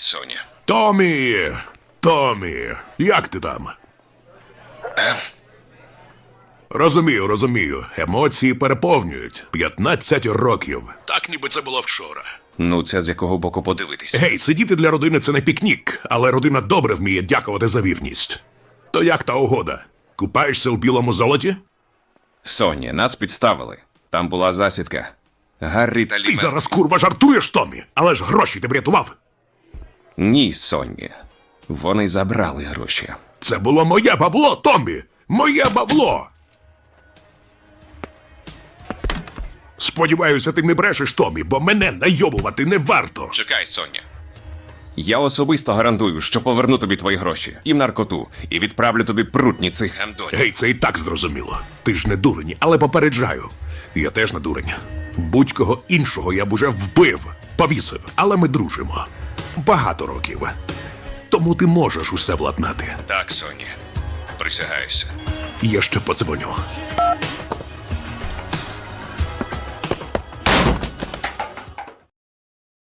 Соня. Томі, як ти там? Розумію. Емоції переповнюють. 15 років. Так ніби це було вчора. Ну, це з якого боку подивитись. Гей, сидіти для родини – це не пікнік, але родина добре вміє дякувати за вірність. То як та угода? Купаєшся у білому золоті? Соня, нас підставили. Там була засідка. Гаррі та Ти Лі... зараз, курва, жартуєш, Томі? Але ж гроші ти врятував. Ні, Соня. Вони забрали гроші. Це було моє бабло, Томі! Моє бабло! Сподіваюся, ти не брешеш, Томі, бо мене найобувати не варто. Чекай, Соня. Я особисто гарантую, що поверну тобі твої гроші. І в наркоту. І відправлю тобі прутні цих гандонів. Гей, це і так зрозуміло. Ти ж не дурень, але попереджаю. Я теж не дурень. Будь-кого іншого я б уже вбив, повісив, але ми дружимо. Багато років. Тому ти можеш усе владнати. Так, Соня. Присягаюся. Я ще подзвоню.